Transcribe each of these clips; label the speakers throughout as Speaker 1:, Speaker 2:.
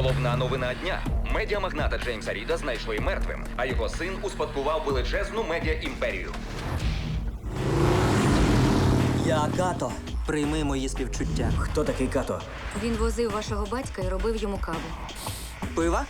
Speaker 1: Головна новина дня. Медіамагната Джеймса Ріда знайшли мертвим, а його син успадкував величезну медіаімперію.
Speaker 2: Я Като. Прийми мої співчуття.
Speaker 3: Хто такий Като?
Speaker 4: Він возив вашого батька і робив йому каву.
Speaker 2: Пива?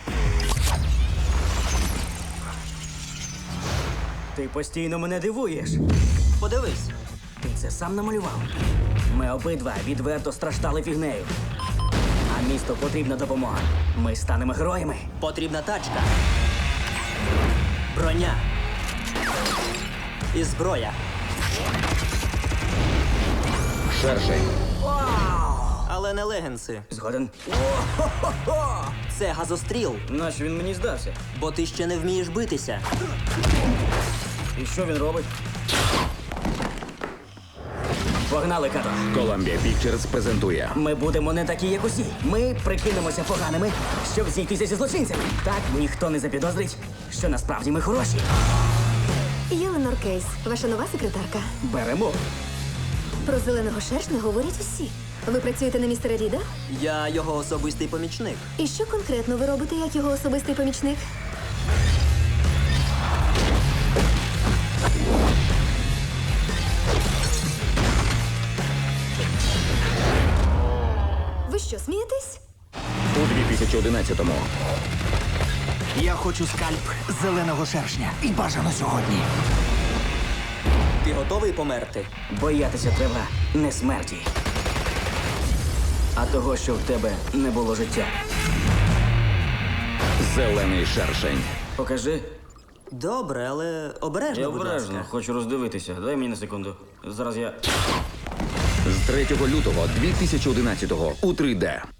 Speaker 3: Ти постійно мене дивуєш.
Speaker 2: Подивись.
Speaker 3: Ти це сам намалював. Ми обидва відверто страждали фігнею. А місту потрібна допомога. Ми станемо героями.
Speaker 2: Потрібна тачка. Броня. І зброя.
Speaker 1: Шершень.
Speaker 2: Але не легенси.
Speaker 3: Згоден?
Speaker 2: Це газостріл,
Speaker 3: Нащо він мені здався?
Speaker 2: бо ти ще не вмієш битися.
Speaker 3: І що він робить? Погнали, Като.
Speaker 1: Columbia Pictures презентує
Speaker 3: Ми будемо не такі, як усі. Ми прикинемося поганими, щоб зійтися зі злочинцями. Так ніхто не запідозрить, що насправді ми хороші.
Speaker 4: Єленор Кейс, ваша нова секретарка.
Speaker 3: Беремо.
Speaker 4: Про зеленого шершня говорять усі. Ви працюєте на містера Ріда?
Speaker 2: Я його особистий помічник.
Speaker 4: І що конкретно ви робите як його особистий помічник? Ви що, смієтесь?
Speaker 1: у 2011-му.
Speaker 5: Я хочу скальп зеленого шершня. І бажано сьогодні.
Speaker 2: Ти готовий померти?
Speaker 3: Боятися треба не смерті, а того, що в тебе не було життя.
Speaker 1: Зелений шершень.
Speaker 3: Покажи.
Speaker 2: Добре, але обережно,
Speaker 3: Я
Speaker 2: будь
Speaker 3: обережно,
Speaker 2: ласка.
Speaker 3: хочу роздивитися. Дай мені на секунду. Зараз я.
Speaker 1: З 3 лютого 2011-го у 3D.